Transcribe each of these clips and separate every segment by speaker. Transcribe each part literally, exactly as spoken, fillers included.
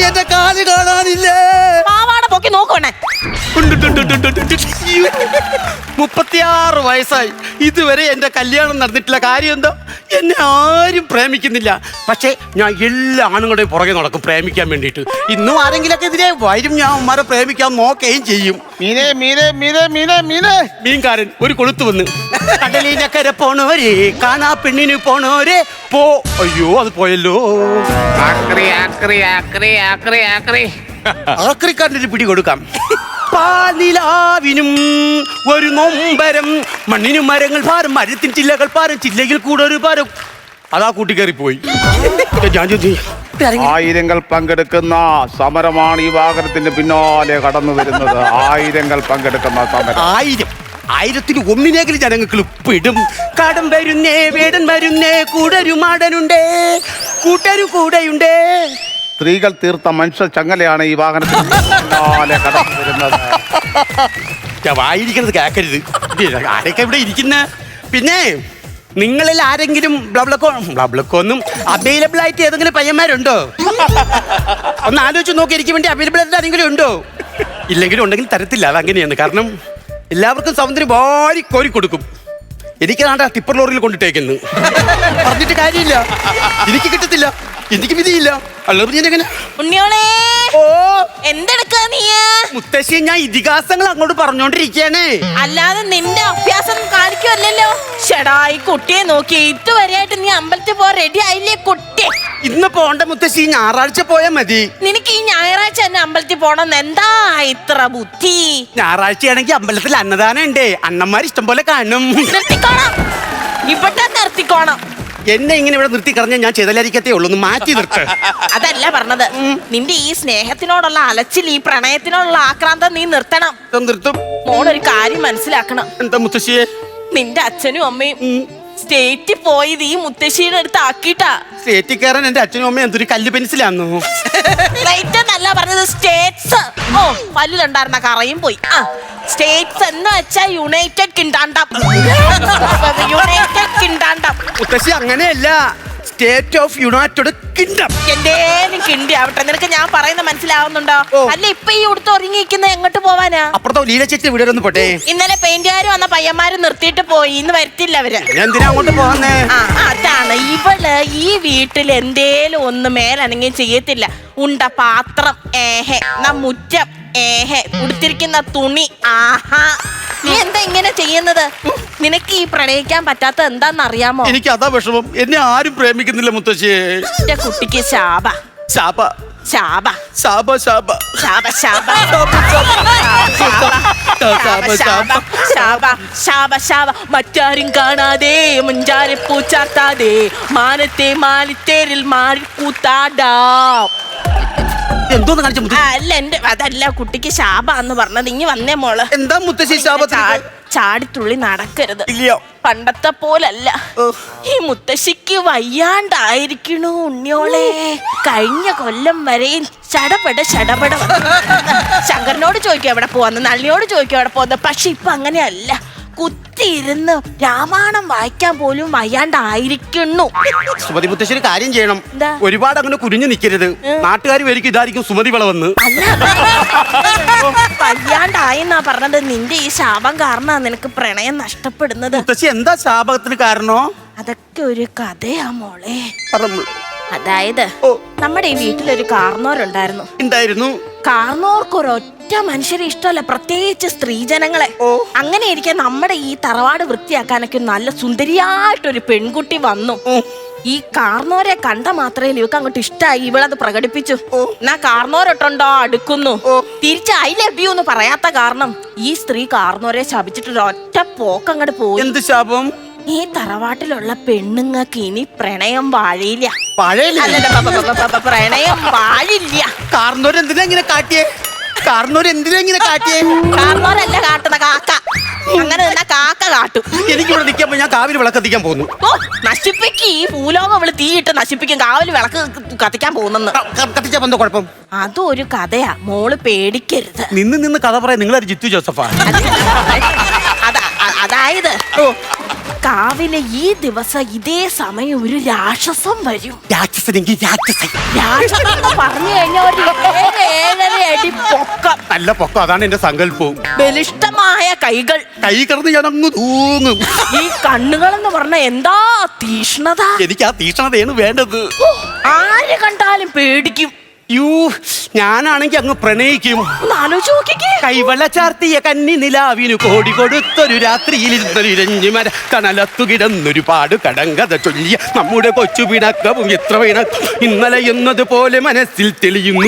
Speaker 1: എന്റെ കാല് കാണാനില്ലേ?
Speaker 2: പാവാട പൊക്കി നോക്കണേ.
Speaker 1: മുപ്പത്തിയാറ് വയസ്സായി, ഇതുവരെ എന്റെ കല്യാണം നടന്നിട്ടില്ല. കാര്യം എന്താ? എന്നെ ആരും പ്രേമിക്കുന്നില്ല. പക്ഷേ ഞാൻ എല്ലാ ആണുങ്ങളുടെയും പുറകെ നടക്കും പ്രേമിക്കാൻ വേണ്ടിയിട്ട്. ഇന്നും ആരെങ്കിലൊക്കെ എതിരെ വരും, ഞാൻ ഉമ്മാരെ പ്രേമിക്കാൻ നോക്കുകയും ചെയ്യും.
Speaker 3: മീനെ മീനെ മീനെ മീനെ മീനെ
Speaker 1: മീൻകാരൻ ഒരു കൊളുത്ത് വന്ന്, കടലിനക്കര പോണോരേ കാണാ പെണ്ണിന് പോണോരേ പോ. അയ്യോ അത് പോയല്ലോ.
Speaker 3: ആക്രി ആക്രി ആക്രി ആക്രി ആക്രി
Speaker 1: ആക്രിക്കാരൻ്റെ ഒരു പിടി കൊടുക്കാം. പാലിലാവിനും ഒരു നൊമ്പരം, മണ്ണിനും മരങ്ങൾ ഭാരം, മരത്തിൻ ചില്ലകൾ ഭാരം, ചില്ലയിൽ കൂടെ ഒരു ഭാരം. അതാ കൂട്ടിക്കയറി പോയി.
Speaker 3: ആയിരങ്ങൾ പങ്കെടുക്കുന്ന സമരമാണ് ഈ വാഹനത്തിന്റെ പിന്നാലെ കടന്നു വരുന്നത്. ആയിരങ്ങൾ പങ്കെടുക്കുന്ന സമരം.
Speaker 1: ആയിരം ആയിരത്തിന് ഒന്നിനെങ്കിലും ജനങ്ങൾക്ക് പെടും. കടം വരുന്നേ, വേടൻ വരുന്നേ, കൂടരു മാടനുണ്ടേ, കൂട്ടരു കൂടെയുണ്ടേ.
Speaker 3: സ്ത്രീകൾ തീർത്ത മനുഷ്യ ചങ്ങലയാണ് ഈ വാഹനത്തിന് പിന്നാലെ കടന്നു വരുന്നത്.
Speaker 1: വായിരിക്കുന്നത് കേക്കരുത്. ആരൊക്കെ ഇവിടെ ഇരിക്കുന്ന? പിന്നെ നിങ്ങളിൽ ആരെങ്കിലും ബ്ലബ്ലക്കോ ബ്ലബ്ലക്കോ ഒന്നും അവൈലബിൾ ആയിട്ട് ഏതെങ്കിലും പയ്യന്മാരുണ്ടോ? ഒന്ന് ആലോചിച്ച് നോക്കി, എനിക്ക് വേണ്ടി അവൈലബിൾ ആയിട്ട് ആരെങ്കിലും ഉണ്ടോ? ഇല്ലെങ്കിലും ഉണ്ടെങ്കിൽ തരത്തില്ല, അതങ്ങനെയാണ്. കാരണം എല്ലാവർക്കും സൗന്ദര്യം വാരി കോരി കൊടുക്കും. എനിക്കാണ്ട ടിപ്പർ ലോറിയിൽ കൊണ്ടിട്ടേക്കുന്നു. പറഞ്ഞിട്ട് കാര്യമില്ല, എനിക്ക് കിട്ടത്തില്ല, എനിക്ക് വിധിയില്ല. അല്ലാതെ ഞാൻ എങ്ങനെ?
Speaker 2: ഉണ്ണിയോളെ,
Speaker 1: ഓ
Speaker 2: എന്തെടുക്കാ നീ?
Speaker 1: മുത്തശ്ശി, ഞാൻ ഇതിഹാസങ്ങൾ അങ്ങോട്ട് പറഞ്ഞോണ്ടിരിക്കാനേ.
Speaker 2: അല്ലാതെ നിന്റെ അഭ്യാസം കാണിക്കുമല്ലോ. ഷെടാ, ഈ കുട്ടിയെ നോക്കി ഇതുവരെയായിട്ട് നീ അമ്പലത്തിൽ പോ റെഡി ആയില്ലേ കുട്ടി?
Speaker 1: ഇന്ന് പോണ്ട മുത്തശ്ശി, ഞായറാഴ്ച പോയാ മതി.
Speaker 2: നിനക്ക് ഈ ഞായറാഴ്ച തന്നെ അമ്പലത്തിൽ പോണം എന്താ ഇത്ര ബുദ്ധി?
Speaker 1: ഞായറാഴ്ചയാണെങ്കിൽ അമ്പലത്തിൽ അന്നദാനം ഉണ്ടേ, അണ്ണന്മാർ ഇഷ്ടം പോലെ കാണും.
Speaker 2: നിർത്തിക്കോണം, ഇവിടെ നിർത്തിക്കോണം.
Speaker 1: എന്നെ ഇങ്ങനെ ഇവിടെ നിർത്തി കളഞ്ഞാൽ ഞാൻ ചെയ്തലായിരിക്കത്തേ ഉള്ളൂ. ഒന്ന് മാറ്റി നിർത്ത്.
Speaker 2: അതല്ല പറഞ്ഞത്, നിന്റെ ഈ സ്നേഹത്തിനോടുള്ള അലച്ചിൽ, ഈ പ്രണയത്തിനോടുള്ള ആക്രാന്തം നീ നിർത്തണം.
Speaker 1: നിർത്തും.
Speaker 2: മോളൊരു കാര്യം മനസ്സിലാക്കണം.
Speaker 1: എന്താ മുത്തശ്ശിയെ?
Speaker 2: നിന്റെ അച്ഛനും അമ്മയും സ്റ്റേറ്റിൽ പോയത് ഈ മുത്തശ്ശിയുടെ അടുത്ത് ആക്കിട്ടാ.
Speaker 1: സ്റ്റേറ്റിൽ കയറാൻ എന്റെ അച്ഛനും അമ്മയും എന്തൊരു കല്ല് പെൻസിലാന്നോ?
Speaker 2: സ്റ്റേറ്റ് എന്നല്ല പറഞ്ഞത്, സ്റ്റേറ്റ്സ്. ഓ, പല്ലിലുണ്ടായിരുന്ന കറയും പോയി. ആ, സ്റ്റേറ്റ്സ് എന്ന് വെച്ചാ യുണൈറ്റഡ് കിങ്ഡം. United kingdom.
Speaker 1: മുത്തശ്ശി അങ്ങനെയല്ല, സ്റ്റേറ്റ് ഓഫ് യുണൈറ്റഡ് കിങ്ഡം.
Speaker 2: എന്തേലും കിണ്ടി ആവട്ടെ, നിനക്ക് ഞാൻ പറയുന്നത് മനസ്സിലാവുന്നുണ്ടോ? അല്ല, ഇപ്പൊ ഈ ഉടുത്ത് ഒരുങ്ങിയിരിക്കുന്ന എങ്ങോട്ട് പോവാനാ?
Speaker 1: അപ്പുറത്തോ ലീല ചേച്ചി വീട് ഒന്ന് പോട്ടെ.
Speaker 2: ഇന്നലെ പെയിന്റുകാർ വന്ന പയ്യന്മാര് നിർത്തിയിട്ട് പോയി, ഇന്ന് വരുത്തില്ല അവര്.
Speaker 1: എന്തിനാ അങ്ങോട്ട് പോന്നേ?
Speaker 2: ആ, അതാണ് ഇവള് ഈ വീട്ടിൽ എന്തേലും ഒന്ന് മേലനങ്ങി ചെയ്യത്തില്ല. ഉണ്ട പാത്രം ഏഹെ, ന മുറ്റം ഏഹെ, ഉടുത്തിരിക്കുന്ന തുണി ആഹാ. നീ എന്താ ഇങ്ങനെ ചെയ്യുന്നത്? നിനക്ക് ഈ പ്രണയിക്കാൻ പറ്റാത്ത എന്താന്നറിയാമോ?
Speaker 1: എനിക്ക് അതാ വിഷമം, എന്നെ ആരും പ്രേമിക്കുന്നില്ല മുത്തശ്ശിയെ.
Speaker 2: എന്റെ കുട്ടിക്ക് ശാപ
Speaker 1: ശാപ
Speaker 2: ശാപ
Speaker 1: ശാപ ശാപ
Speaker 2: ശാപ ശാപ ശാപ ശാപ ശാപ. മറ്റാരും കാണാതെ മുഞ്ചാരെ പൂച്ചാത്താതെ മാനത്തെ മാലിത്തേരിൽ മാറി കൂത്താടാം.
Speaker 1: എന്തോന്ന് കാണിച്ച?
Speaker 2: അല്ല, എന്റെ അതല്ല, കുട്ടിക്ക് ശാപ എന്ന് പറഞ്ഞത്. ഇനി വന്നേ മോള്.
Speaker 1: എന്താ മുത്തശ്ശി ശാപത്തിൽ?
Speaker 2: ചാടിത്തുള്ളി നടക്കരുത്.
Speaker 1: ഇല്ലയോ?
Speaker 2: പണ്ടത്തെ പോലല്ല. ഈ മുത്തശ്ശിക്ക് വയ്യാണ്ടായിരിക്കണു ഉണ്ണിയോളെ. കഴിഞ്ഞ കൊല്ലം വരെയും ചടപട ചടപട. ശങ്കരനോട് ചോദിക്കും എവിടെ പോവാന്ന്, നളിനിയോട് ചോദിക്കും എവിടെ പോവാന്ന്. പക്ഷെ ഇപ്പൊ അങ്ങനെയല്ല. കുത്തിയിരുന്ന് രാമായണം വായിക്കാൻ പോലും വയ്യാണ്ടായിരിക്കുന്നു.
Speaker 1: സുമതി മുത്തശ്ശി ഒരു കാര്യം ചെയ്യണം. ഒരുപാട് അങ്ങനെ കുനിഞ്ഞു നിൽക്കരുത്. നാട്ടുകാർ വരിക്കും ഇതായിരിക്കും സുമതി വളവെന്ന്.
Speaker 2: വയ്യാണ്ടായെന്നാ പറഞ്ഞത്. നിന്റെ ഈ ശാപം കാരണ നിനക്ക് പ്രണയം നഷ്ടപ്പെടുന്നത്.
Speaker 1: മുത്തശ്ശി എന്താ ശാപത്തിന് കാരണോ?
Speaker 2: അതൊക്കെ ഒരു കഥയാ മോളെ.
Speaker 1: പറഞ്ഞു.
Speaker 2: അതായത് നമ്മുടെ ഈ വീട്ടിലൊരു കാർന്നോരുണ്ടായിരുന്നു.
Speaker 1: ഉണ്ടായിരുന്നു.
Speaker 2: കാർന്നോർക്ക് ഒരൊറ്റ മനുഷ്യരെ ഇഷ്ടമല്ല, പ്രത്യേകിച്ച് സ്ത്രീജനങ്ങളെ. അങ്ങനെ ഇരിക്കാൻ നമ്മുടെ ഈ തറവാട് വൃത്തിയാക്കാനൊക്കെ നല്ല സുന്ദരിയായിട്ടൊരു പെൺകുട്ടി വന്നു. ഈ കാർന്നോരെ കണ്ട മാത്രമേ ഇവക്ക് അങ്ങോട്ട് ഇഷ്ടമായി. ഇവളത് പ്രകടിപ്പിച്ചു. എന്നാ കാർന്നോരൊട്ടുണ്ടോ അടുക്കുന്നു. തിരിച്ച് ഐ ലവ് യു എന്ന് പറയാത്ത കാരണം ഈ സ്ത്രീ കാർന്നോരെ ശപിച്ചിട്ട് ഒറ്റ പോക്ക് അങ്ങോട്ട് പോയി.
Speaker 1: എന്ത് ശാപം?
Speaker 2: ഈ തറവാട്ടിലുള്ള പെണ്ണുങ്ങൾക്ക് ഇനി പ്രണയം വാഴില്ല. പ്രണയം വാഴില്ല.
Speaker 1: കാർന്നോര് എന്തിനാ ഇങ്ങനെ കാട്ടിയേ? കാർന്നോര് എന്തിനാ ഇങ്ങനെ കാട്ടിയേ?
Speaker 2: കാർന്നോരല്ല കാട്ടുന്ന കാക്ക. അങ്ങനെ തന്നെ കാക്ക കാട്ടും.
Speaker 1: എനിക്കിവിടെ നിൽക്കാൻ ഞാൻ കാവിൽ വിളക്ക് കത്തിക്കാൻ പോകുന്നു.
Speaker 2: ഓ, നശിപ്പിക്ക്. ഈ ഭൂലോകം അവള് തീയിട്ട് നശിപ്പിക്കും. കാവിൽ വിളക്ക് കത്തിക്കാൻ പോകുന്നെന്ന്.
Speaker 1: കത്തിച്ചാ എന്തോ കുഴപ്പം?
Speaker 2: അതും ഒരു കഥയാ, മോള് പേടിക്കരുത്.
Speaker 1: നിന്ന് നിന്ന് കഥ പറയാൻ നിങ്ങളൊരു ജിത്തു ജോസഫാ.
Speaker 2: അതായത് കാവിലെ ഈ ദിവസം ഇതേ സമയം ഒരു രാക്ഷസം വരും.
Speaker 1: രാക്ഷസനെങ്കിൽ രാക്ഷസൻ.
Speaker 2: രാക്ഷസം എന്ന് പറഞ്ഞു കഴിഞ്ഞാൽ ഒരു ഏഴ് ഏഴര അടി പൊക്കം,
Speaker 1: നല്ല പൊക്കം. അതാണ് എന്റെ സങ്കല്പവും.
Speaker 2: ബലിഷ്ഠമായ കൈകൾ,
Speaker 1: കൈ കിടന്ന് ഞാൻ അങ്ങ് തൂങ്ങും.
Speaker 2: ഈ കണ്ണുകൾ എന്ന് പറഞ്ഞ എന്താ തീഷ്ണത.
Speaker 1: എനിക്ക് ആ തീക്ഷണതയാണ് വേണ്ടത്.
Speaker 2: ഓ, ആര് കണ്ടാലും പേടിക്കും.
Speaker 1: യൂ, ഞാനാണെങ്കി അങ്ങ് പ്രണയിക്കും.
Speaker 2: ഒന്ന് ആലോചിച്ച് നോക്കിക്കേ.
Speaker 1: കൈവള ചാർത്തിയ കന്നി നിലാവിനു കോടി കൊടുത്തൊരു രാത്രിയിൽ ഇരുന്നൊരിരഞ്ഞുമര കനലത്തു കിടന്നൊരു പാട് കടങ്കഥ ചൊല്ലിയ നമ്മുടെ കൊച്ചു പിണക്കവും എത്ര പിണക്കം ഇന്നലെ എന്നതുപോലെ മനസ്സിൽ തെളിയുന്നു.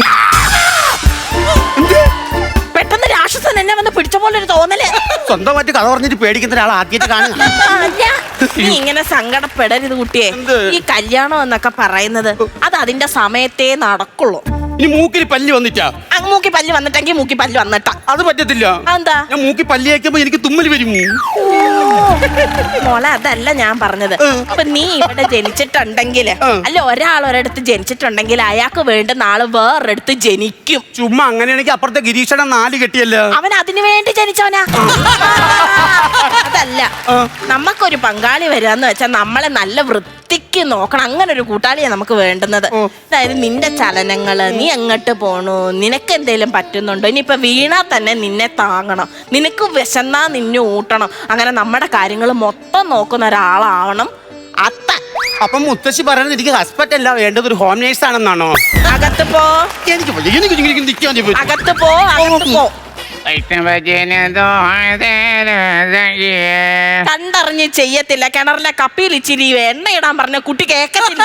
Speaker 2: പെട്ടെന്ന് രാക്ഷസൻ എന്നെ വന്ന് പിടിച്ച പോലെ ഒരു തോന്നല്.
Speaker 1: സ്വന്തമായിട്ട് കഥ പറഞ്ഞിട്ട് പേടിക്കുന്ന ഒരാൾ ആദ്യമായിട്ട് കാണുക.
Speaker 2: അല്ല, നീ ഇങ്ങനെ സങ്കടപ്പെടരുത് കുട്ടിയെ.
Speaker 1: എന്ത്?
Speaker 2: ഈ കല്യാണം എന്നൊക്കെ പറയുന്നത് അത് അതിന്റെ സമയത്തേ നടക്കുള്ളൂ.
Speaker 1: ഇനി മൂക്കിൽ പല്ല് വന്നിട്ടാ?
Speaker 2: അങ്ങ് മൂക്കി പല്ല് വന്നിട്ടെങ്കിൽ മൂക്കി പല്ല് വന്നിട്ടാ.
Speaker 1: അത് പറ്റത്തില്ല.
Speaker 2: എന്താ?
Speaker 1: ഞാൻ മൂക്കി പല്ല് വയ്ക്കുമ്പോ എനിക്ക് തുമ്മൽ വരും.
Speaker 2: മോളെ, അതല്ല ഞാൻ പറഞ്ഞത്. ഇപ്പൊ നീ ഇവിടെ ജനിച്ചിട്ടുണ്ടെങ്കിൽ, അല്ല ഒരാൾ ഒരിടത്ത് ജനിച്ചിട്ടുണ്ടെങ്കിൽ അയാൾക്ക് വേണ്ടുന്ന ആള് വേറൊരിടത്ത് ജനിക്കും.
Speaker 1: ചുമ്മാ അങ്ങനെയാണെങ്കിൽ അപ്പുറത്തെ ഗിരീഷണം നാല് കെട്ടിയല്ലോ.
Speaker 2: അവൻ അതിനു വേണ്ടി ജനിച്ചവനാ. അതല്ല, നമുക്കൊരു പങ്കാളി വരാന്ന് വെച്ചാൽ നമ്മളെ നല്ല വൃത്തിക്ക് നോക്കണം. അങ്ങനെ ഒരു കൂട്ടാളിയാ നമുക്ക് വേണ്ടുന്നത്. അതായത് നിന്റെ ചലനങ്ങള്, നീ എങ്ങോട്ട് പോണു, നിനക്ക് എന്തേലും പറ്റുന്നുണ്ടോ, ഇനിയിപ്പൊ വീണാ തന്നെ നിന്നെ താങ്ങണം, നിനക്ക് വിശന്നാ നിന്നെ ഊട്ടണം. അങ്ങനെ നമ്മുടെ കാര്യങ്ങൾ മൊത്തം നോക്കുന്ന ഒരാളാവണം അത്ത.
Speaker 1: അപ്പൊ മുത്തശ്ശി പറയുന്നത് എനിക്ക് ഹസ്ബൻഡ് അല്ല വേണ്ടത്, ഒരു ഹോം നേഴ്സ് ആണെന്നാണോ?
Speaker 2: അകത്ത് പോ,
Speaker 1: എനിക്ക് വയ്യ, എനിക്ക് ഇങ്ങനെ നിൽക്കാൻ പറ്റും.
Speaker 2: അകത്ത് പോ, അകത്ത് പോ. കണ്ടറിഞ്ഞ് ചെയ്യത്തില്ല. കിണറിലെ കപ്പിയിൽ ഇച്ചിരി എണ്ണ ഇടാൻ പറഞ്ഞ കുട്ടി കേക്കത്തില്ല.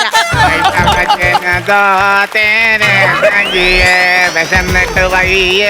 Speaker 3: വിശന്നിട്ട് വയ്യേ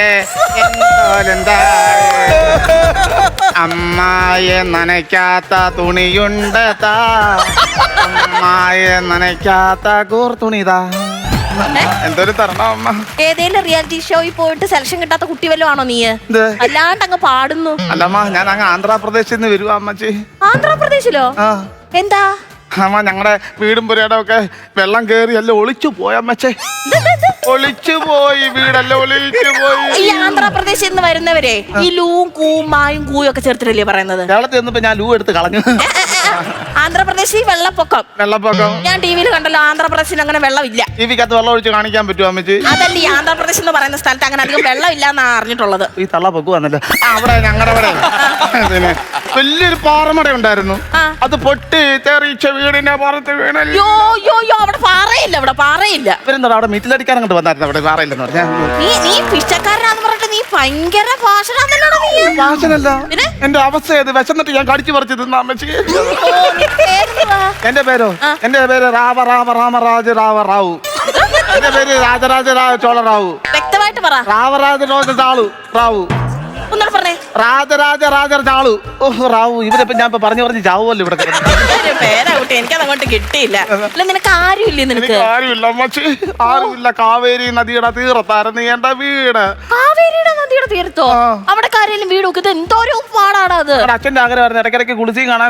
Speaker 3: അമ്മായ നനയ്ക്കാത്ത തുണിയുണ്ട് താ, അമ്മായ നനയ്ക്കാത്ത കൂർ തുണിതാ. എന്തൊരു തരണം അമ്മ.
Speaker 2: ഏതേലും റിയാലിറ്റി ഷോയിൽ പോയിട്ട് സെലക്ഷൻ കിട്ടാത്ത കുട്ടി വല്ലതും ആണോ നീ? അല്ലാണ്ട് അങ്ങ് പാടുന്നു.
Speaker 3: അല്ലമ്മ, ഞാൻ അങ്ങ് ആന്ധ്രാപ്രദേശിൽ നിന്ന് വരുവാ അമ്മച്ചി.
Speaker 2: ആന്ധ്രാപ്രദേശിലോ?
Speaker 3: ആ.
Speaker 2: എന്താ?
Speaker 3: അമ്മ, ഞങ്ങളുടെ വീടും പുരയുടെ ഒക്കെ വെള്ളം കേറി എല്ലാം ഒളിച്ചു പോയമ്മച്ചേ. ഒളിച്ചു പോയി, വീടെല്ലാം ഒളിച്ചു പോയി.
Speaker 2: ഈ ആന്ധ്രാപ്രദേശിൽ നിന്ന് വരുന്നവരെ ഈ ലൂവും കൂവും മായും കൂയും ഒക്കെ ചേർത്തിട്ടല്ലേ പറയുന്നത്?
Speaker 3: കേരളത്തിൽ നിന്നിപ്പോ ഞാൻ ലൂ എടുത്ത് കളഞ്ഞു.
Speaker 2: ആന്ധ്രാപ്രദേശിൽ വെള്ളപ്പൊക്കം.
Speaker 3: വെള്ളപ്പൊക്കം
Speaker 2: ഞാൻ ടി വിയിൽ കണ്ടല്ലോ. ആന്ധ്രാപ്രദേശിൽ അങ്ങനെ വെള്ളമില്ല.
Speaker 3: ടി വിക്കകത്ത് വെള്ളം ഒഴിച്ച് കാണിക്കാൻ പറ്റുമോ അമ്മച്ചി?
Speaker 2: അതല്ല, ഈ ആന്ധ്രാപ്രദേശ് എന്ന് പറയുന്ന സ്ഥലത്ത് അങ്ങനെ അധികം വെള്ളം ഇല്ല എന്നാ അറിഞ്ഞിട്ടുള്ളത്.
Speaker 3: ഈ തള്ള പൊക്കു വന്നല്ലോ. അവിടെ ഞങ്ങളുടെ അവിടെ പിന്നെ വലിയൊരു പാറമട ഉണ്ടായിരുന്നു. അത് പൊട്ടി തെറിച്ച വീടിന്റെ പുറത്ത് വീണല്ലോ.
Speaker 2: യോ യോ യോ അവിടെ പാറയില്ല, അവിടെ പാറയില്ല.
Speaker 3: ഇവരെന്താ അവിടെ മീറ്റിലടിക്കാൻ അങ്ങോട്ട് വന്നായിരുന്നു. അവിടെ പാറയില്ലെന്ന് പറഞ്ഞാൽ
Speaker 2: നീ നീ പിച്ചക്കാരനാന്ന് പറഞ്ഞിട്ട് നീ ഭയങ്കര ഭാഷണാന്നല്ലോടാ നീ.
Speaker 3: ഭാഷനല്ല, എന്റെ അവസ്ഥ ഏത് വിശന്നിട്ട് ഞാൻ കടിച്ചു പറിച്ചു തിന്നാ അമ്മച്ചി. എന്റെ പേരോ? എന്റെ പേര് റാവ റാവ രാമരാജ റാവ റാവു. എന്റെ പേര് രാജരാജ രാവ ചോള റാവു.
Speaker 2: വ്യക്തമായിട്ട് പറ.
Speaker 3: രാവരാജ രാജ ചാളു റാവു.
Speaker 2: ഒന്നുകൂടെ പറഞ്ഞേ.
Speaker 3: രാജരാജ രാജ ചാളു. ഓഹ് റാവു. ഇവരിപ്പോ ഞാൻ ഇപ്പൊ പറഞ്ഞു പറഞ്ഞ് ചാവുമല്ലോ ഇവിടെ.
Speaker 2: പേരാ കുട്ടി, എനിക്കത് അങ്ങോട്ട് കിട്ടിയില്ല. അല്ല, നിനക്ക് ആരുമില്ലേ? നിനക്ക്
Speaker 3: ആരുമില്ല അമ്മച്ചി, ആരുമില്ല. കാവേരി നദിയുടെ തീരത്തായിരുന്നു എന്റെ വീട്.
Speaker 2: കാവേരിയുടെ നദിയുടെ തീരത്തോ? അവിടെ കാര്യം വീട് നോക്കിയത് എന്തോരം പാടാണ് അത്.
Speaker 3: അച്ഛന്റെ ആഗ്രഹമായിരുന്നു ഇടയ്ക്കിടയ്ക്ക് കുളിച്ചും കാണാൻ.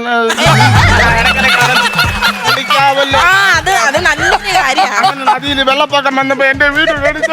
Speaker 3: നദിയിൽ വെള്ളപ്പൊക്കം വന്നപ്പോ എന്റെ വീട്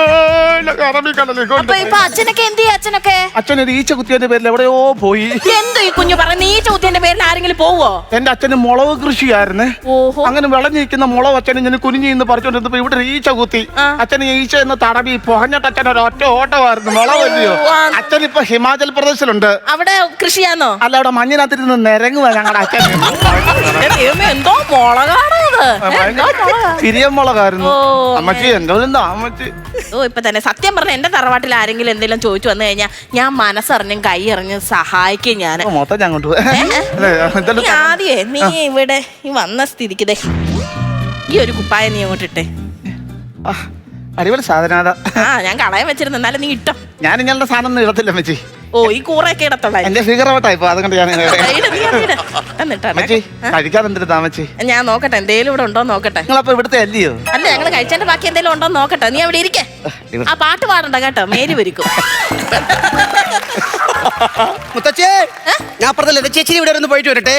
Speaker 2: അച്ഛനൊക്കെ എന്ത് ചെയ്യും? അച്ഛനൊക്കെ
Speaker 3: അച്ഛനൊരു ഈച്ച കുത്തിയതിന്റെ പേരിൽ എവിടെയോ പോയി.
Speaker 2: എന്തോ ഈ കുഞ്ഞു പറയുന്ന ഈച്ച കുത്തിയതിന്റെ പേരിൽ ആരെങ്കിലും പോവോ?
Speaker 3: എന്റെ അച്ഛന് മുളക് കൃഷിയായിരുന്നേ. അങ്ങനെ വിളഞ്ഞിരിക്കുന്ന മുളക് അച്ഛന് ഞാൻ കുനിഞ്ഞു നിന്ന് പറിച്ചോണ്ടിരുന്നപ്പോ ഇവിടെ ഈച്ച കുത്തി. അച്ഛന് ഈച്ച എന്ന് തടവി പൊഹഞ്ഞിട്ട് അച്ഛൻ ഒരു ഒറ്റ ഓട്ടമായിരുന്നു. മുളകല്ലയോ. അച്ഛൻ ഇപ്പൊ ഹിമാചൽ പ്രദേശിലുണ്ട്.
Speaker 2: അവിടെ കൃഷിയാന്നോ?
Speaker 3: അല്ല, അവിടെ മഞ്ഞിനകത്തിരുന്ന് നിരങ്ങുക ഞങ്ങളുടെ അച്ഛൻ.
Speaker 2: എന്തോ മുളകാണോ?
Speaker 3: സിരിയൻ മുളകായിരുന്നു അമ്മച്ചി. എന്തോ അമ്മച്ചി.
Speaker 2: ഓ, ഇപ്പൊ തന്നെ സത്യം പറഞ്ഞ എന്റെ തറവാട്ടിൽ ആരെങ്കിലും എന്തെങ്കിലും ചോദിച്ചു വന്നു കഴിഞ്ഞാൽ ഞാൻ മനസ്സറിഞ്ഞും കൈ എറിഞ്ഞും സഹായിക്കും. ഞാൻ
Speaker 3: മൊത്തം ഞാൻ കൊണ്ടുപോയി.
Speaker 2: ആദ്യേ നീ ഇവിടെ ഈ വന്ന സ്ഥിതിക്ക് ഈ ഒരു കുപ്പായ നീ അങ്ങോട്ട് ഇട്ടേ.
Speaker 3: അടിപൊളി സാധനം.
Speaker 2: ആ, ഞാൻ കളയാൻ വെച്ചിരുന്നു, എന്നാലും നീ ഇട്ടോ.
Speaker 3: ഞാൻ ഇങ്ങനത്തെ സാധനം ഒന്നും ഇടത്തില്ല അമ്മച്ചി.
Speaker 2: ഓ, ഈ കൂറയൊക്കെ ഇടത്തുള്ള
Speaker 3: എന്റെ ഫിഗർ ഔട്ടായിപ്പോ അതുകൊണ്ട് ഞാൻ കഴിക്കാൻ എന്തിനാ അമ്മച്ചി?
Speaker 2: ഞാൻ നോക്കട്ടെ എന്തേലും ഇവിടെ ഉണ്ടോ നോക്കട്ടെ.
Speaker 3: നിങ്ങളപ്പോ ഇവിടുത്തെ അല്ലയോ?
Speaker 2: അല്ല, ഞങ്ങള് കഴിച്ചതിന്റെ ബാക്കി എന്തെങ്കിലും ഉണ്ടോ നോക്കട്ടെ. നീ അവിടെ ഇരിക്കേ. ആ പാട്ട് പാടണ്ട കേട്ടോ, മേരി വരിക്കും.
Speaker 1: മുത്തച്ഛേ, ഞാൻ പറഞ്ഞ ചേച്ചി ഇവിടെ ഒന്ന് പോയിട്ട് വരട്ടെ.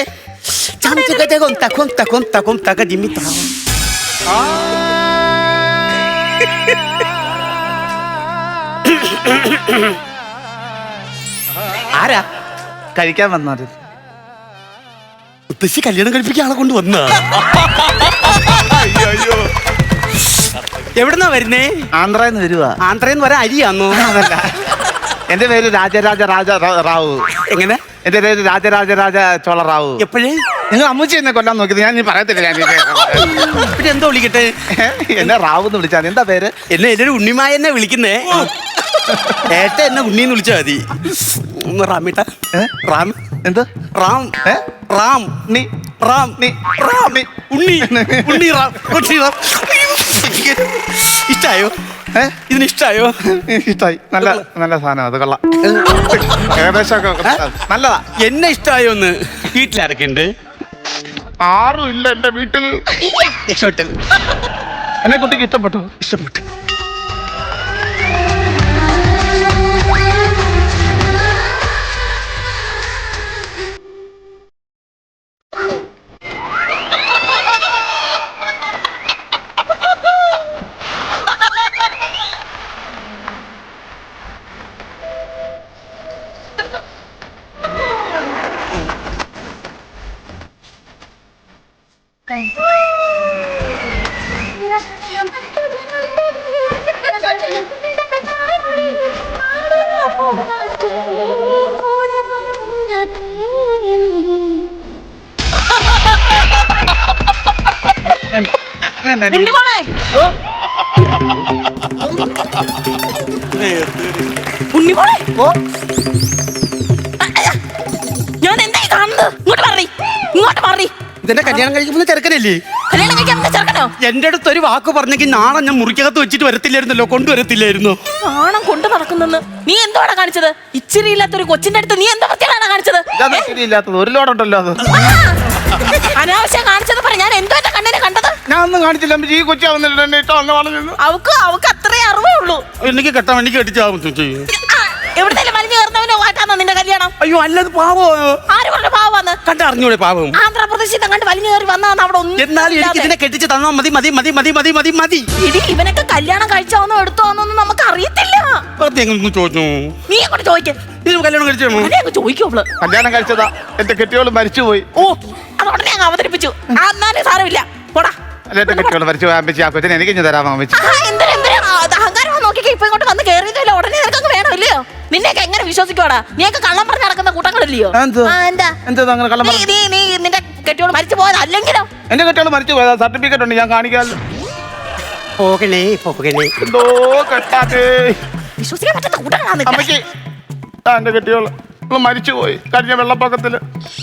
Speaker 1: ആരാ
Speaker 3: കഴിക്കാൻ വന്നത്?
Speaker 1: മുത്തശ്ശി കല്യാണം കഴിപ്പിക്കാൻ ആളെ കൊണ്ട് വന്ന അയ്യോ എവിടുന്നാ വരുന്നേ?
Speaker 3: ആന്ധ്രന്ന് വരുവാ.
Speaker 1: ആന്ധ്രന്ന് വരാൻ അരിയാന്നോ?
Speaker 3: അതല്ല, എന്റെ പേര് രാജരാജ രാജ റാ- റാവു.
Speaker 1: എങ്ങനെ?
Speaker 3: എന്റെ പേര് രാജരാജ രാജ ചോള റാവു.
Speaker 1: എപ്പോഴേ?
Speaker 3: നിങ്ങൾ അമ്മച്ചി എന്നെ കൊല്ലാൻ നോക്കിയത് ഞാൻ നീ പറയത്തില്ല. ഞാൻ
Speaker 1: പിന്നെ എന്തോ വിളിക്കട്ടെ?
Speaker 3: എന്നെ റാവു എന്ന് വിളിച്ചാൽ എന്താ പേര്?
Speaker 1: എന്നെ എന്നൊരു ഉണ്ണിമായ എന്നെ വിളിക്കുന്നേ. ഏട്ട എന്നെ ഉണ്ണിന്ന് വിളിച്ചാ മതി. ഒന്ന് റാമിട്ട റാം
Speaker 3: എന്ത്
Speaker 1: റാം
Speaker 3: ഏ?
Speaker 1: റാം
Speaker 3: നീ
Speaker 1: റാം
Speaker 3: നീ
Speaker 1: റാം ഉണ്ണി ഉണ്ണി റാം ഉണ്ണി റാം. ഇഷ്ടായോ?
Speaker 3: ഏ?
Speaker 1: ഇതിന് ഇഷ്ടായോ?
Speaker 3: ഇഷ്ടായി. നല്ല നല്ല സാധനം അത്. കൊള്ളാം. ഏകദേശം നല്ലതാ.
Speaker 1: എന്നെ ഇഷ്ടായോ? ഒന്ന് വീട്ടിലാരൊക്കെ ഉണ്ട്?
Speaker 3: ആരും ഇല്ല എന്റെ വീട്ടിൽ.
Speaker 1: ഇഷ്ടപ്പെട്ടു.
Speaker 3: എന്നെ കുട്ടിക്ക് ഇഷ്ടപ്പെട്ടു.
Speaker 1: ഇഷ്ടപ്പെട്ടു.
Speaker 2: ഉണ്ണിമോളെ, ഉണ്ണിമോളെ, ഞാൻ എന്തായി കാണുന്നത്? ഇങ്ങോട്ട് മാറി, ഇങ്ങോട്ട് മാറി.
Speaker 1: ഇതെന്നെ കല്യാണം കഴിക്കുന്ന ചെറുക്കനല്ലേ?
Speaker 2: കല്യാണം കഴിക്കാൻ പറ്റുന്ന ചെറുക്കനോ?
Speaker 1: എന്റെ അടുത്ത് ഒരു വാക്ക് പറഞ്ഞെങ്കിൽ നാളെ ഞാൻ മുറിക്കകത്ത് വെച്ചിട്ട് വരത്തില്ലായിരുന്നല്ലോ, കൊണ്ടുവരത്തില്ലായിരുന്നു.
Speaker 2: നാണം കൊണ്ട് നടക്കുന്നെന്ന് നീ എന്തോടാ കാണിച്ചത്? ഇച്ചിരി ഇല്ലാത്തൊരു കൊച്ചിന്റെ അടുത്ത് നീ എന്താ പറ്റിയാണ് കാണിച്ചത്?
Speaker 3: ഇതാ ശരിയില്ലാത്തത്. ഒരു ലോഡുണ്ടല്ലോ അത്.
Speaker 2: അനാവശ്യം കാണിച്ചത് പറ. ഞാൻ എന്തോ എന്റെ കണ്ണിനെ കണ്ടത്?
Speaker 3: ഞാൻ ഒന്നും കാണിച്ചില്ല. ഈ കൊച്ചാവുന്നില്ല എന്നെ ഇട്ടോ അന്ന് പറഞ്ഞു.
Speaker 2: അവക്ക് അവക്ക് അത്രേ അറിവേ ഉള്ളൂ.
Speaker 1: എനിക്ക് കെട്ടാൻ എനിക്ക് കെട്ടിച്ചാവും ചെയ്യും.
Speaker 2: എവിടുന്നേലും വലിഞ്ഞു കയറുന്നവനോ വാട്ടാന്നോ നിന്റെ കല്യാണം?
Speaker 1: അയ്യോ അല്ലത് പാവോ.
Speaker 2: ആര് പറഞ്ഞു പാവാന്ന്?
Speaker 1: കണ്ടറിഞ്ഞൂടെ പാവം?
Speaker 2: ആന്ധ്രാപ്രദേശിൽ കണ്ട് വലിഞ്ഞു കയറി വന്നതാണ് അവിടെ ഒന്നും.
Speaker 1: എന്നാലും എനിക്ക് ഇതിനെ കെട്ടിച്ച് തന്നാ മതി മതി മതി മതി മതി മതി മതി.
Speaker 2: ഇടി ഇവനൊക്കെ കല്യാണം കഴിച്ചോന്നോ എടുത്തോന്നൊന്നും നമുക്ക് അറിയത്തില്ല.
Speaker 1: വെറുതെ എങ്ങനെ ചോദിച്ചു?
Speaker 2: നീ അങ്ങോട്ട് ചോദിക്ക.
Speaker 1: ഇത് കല്യാണം കഴിച്ചോ?
Speaker 2: അതെ അങ്ങ് ചോദിക്കും അവള്.
Speaker 3: കല്യാണം കഴിച്ചതാ. എന്റെ കെട്ടിയോള് മരിച്ചുപോയി.
Speaker 2: ഓ അത് ഉടനെ അങ്ങ് അവതരിപ്പിച്ചു. ആ, എന്നാലും സാരമില്ല പോടാ.
Speaker 3: അല്ല എന്റെ കെട്ടിയോള് മരിച്ചു പോയി. അമ്മച്ചി ആ കൊച്ചിനെ എനിക്ക് ഇഞ്ഞ് തരാമോ അമ്മച്ചി?
Speaker 2: ആ, എന്തിനാ, എന്തിനാ? അത് അഹങ്കാരം നോക്കിക്കോ. ഇപ്പൊ ഇങ്ങോട്ട് വന്ന് കേറിയതല്ലോ, ഉടനെ നിനക്കൊക്കെ വേണോ ഇല്ലയോ? നിന്നെയൊക്കെ എങ്ങനെ വിശ്വസിക്കോടാ? നീയൊക്കെ കള്ളം പറഞ്ഞ് നടക്കുന്ന കൂട്ടങ്ങളില്ലയോ?
Speaker 3: ആ, എന്ത്?
Speaker 2: ആ, എന്താ
Speaker 3: എന്താ അങ്ങനെ കള്ളം
Speaker 2: നീ
Speaker 3: പറഞ്ഞു?
Speaker 2: നീ നീ നിന്റെ കെട്ടിയോട് മരിച്ചു പോയത് അല്ലെങ്കിലോ?
Speaker 3: എന്റെ കെട്ടിയോള് മരിച്ചു പോയതാ. സർട്ടിഫിക്കറ്റ് ഉണ്ട്, ഞാൻ കാണിക്കാമല്ലോ.
Speaker 1: പോകണേ പോകണേ.
Speaker 3: എന്തോ കെട്ടാത്തേ.
Speaker 2: വിശ്വസിക്കാൻ പറ്റാത്ത കൂട്ടങ്ങളാണ് നിന്റെ.
Speaker 3: അമ്മച്ചി ആ എന്റെ കെട്ടിയോള് ഇവള് മരിച്ചുപോയി കഴിഞ്ഞ വെള്ളപ്പൊക്കത്തില്.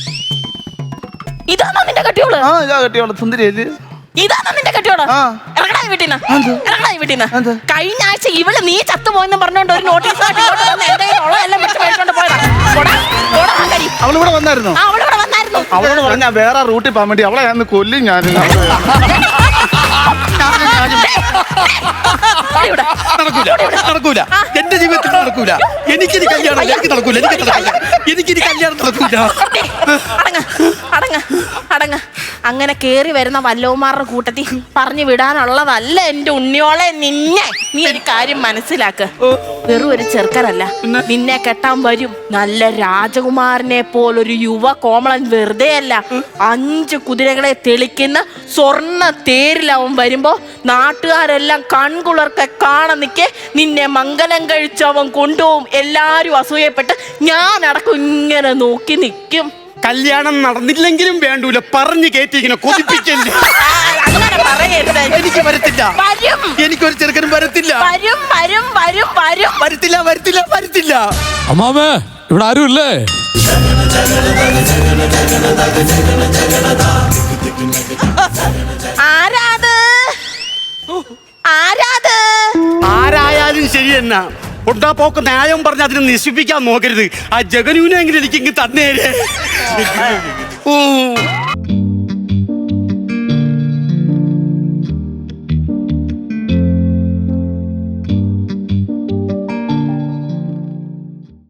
Speaker 2: ഇതാണോ നിന്റെ കെട്ടിയോള്?
Speaker 3: ആ ഇതാ കെട്ടിയോള്. സുന്ദരിയല്ലേ?
Speaker 2: ഇതാണോ നിന്റെ കെട്ടിയോള്?
Speaker 3: ആ.
Speaker 2: ഇറങ്ങടാ ഈ വീട്ടിന്ന്. ഇറങ്ങടാ ഈ വീട്ടിന്ന്.
Speaker 3: എന്ത്?
Speaker 2: കഴിഞ്ഞ ആഴ്ച ഇവള് നീ ചത്തുപോയെന്ന് പറഞ്ഞോണ്ട് ഒരു നോട്ടീസ് എന്തെങ്കിലും ഉള്ളതെല്ലാം വെച്ച് മേടിച്ചോണ്ട് പോയതാ. പോടാ, പോടാ, ആൾക്കാരി.
Speaker 3: അവളിവിടെ വന്നായിരുന്നു.
Speaker 2: ആ, അവളിവിടെ വന്നായിരുന്നു.
Speaker 3: അവളോട് പറഞ്ഞാ വേറെ റൂട്ടിൽ പോകാൻ വേണ്ടി അവളെ ഞാൻ കൊല്ലും. ഞാൻ
Speaker 2: ഇവിടെ.
Speaker 1: നടക്കൂല നടക്കൂല. എന്റെ ജീവിതത്തിൽ നടക്കൂല. എനിക്കിനി കല്യാണം എനിക്ക് നടക്കൂല. എനിക്ക് നടക്കൂല. എനിക്കിനി കല്യാണം നടക്കൂല.
Speaker 2: അടങ്ങ അടങ്ങ അടങ്ങ. അങ്ങനെ കേറി വരുന്ന വല്ലവന്മാരുടെ കൂട്ടത്തിൽ പറഞ്ഞു വിടാനുള്ളതല്ല എന്റെ ഉണ്ണിയോളെ നിന്നെ. നീ ഒരു കാര്യം മനസ്സിലാക്ക്. വെറും ഒരു ചെറുക്കനല്ല, നിന്നെ കെട്ടാൻ വരും നല്ല രാജകുമാരനെ പോലൊരു യുവ കോമളൻ. വെറുതെ അല്ല, അഞ്ച് കുതിരകളെ തെളിക്കുന്ന സ്വർണ്ണ തേരിലവൻ വരുമ്പോ നാട്ടുകാരെല്ലാം കൺകുളർക്കെ കാണാൻ നിൽക്കെ നിന്നെ മംഗലം കഴിച്ചവൻ കൊണ്ടുപോകും. എല്ലാരും അസൂയപ്പെട്ട് ഞാൻ അടക്കം ഇങ്ങനെ നോക്കി നിൽക്കും.
Speaker 1: കല്യാണം നടന്നില്ലെങ്കിലും വേണ്ടൂല. പറഞ്ഞു കേറ്റിങ്ങനെ കൊതിപ്പിക്കല്ലേ.
Speaker 2: അങ്ങനെ പറയരുത്.
Speaker 1: എനിക്ക് വരത്തില്ല.
Speaker 2: വരും.
Speaker 1: എനിക്കൊരു ചെറുക്കനും വരത്തില്ല.
Speaker 2: വരും വരും വരും വരും.
Speaker 1: വരത്തില്ല വരത്തില്ല വരത്തില്ല.
Speaker 4: അമ്മാമേ ഇവിടെ ആരും ഇല്ലേ?
Speaker 2: ആരാത്? ആരാത്?
Speaker 1: ആരായാലും ശരി എന്നാ കൊണ്ടാ പോക്ക് ന്യായം പറഞ്ഞ് അതിനെ നശിപ്പിക്കാൻ നോക്കരുത്. ആ ജഗനൂനെങ്കിലും എനിക്ക് ഇങ്ങ് തന്നേരെ. ഓ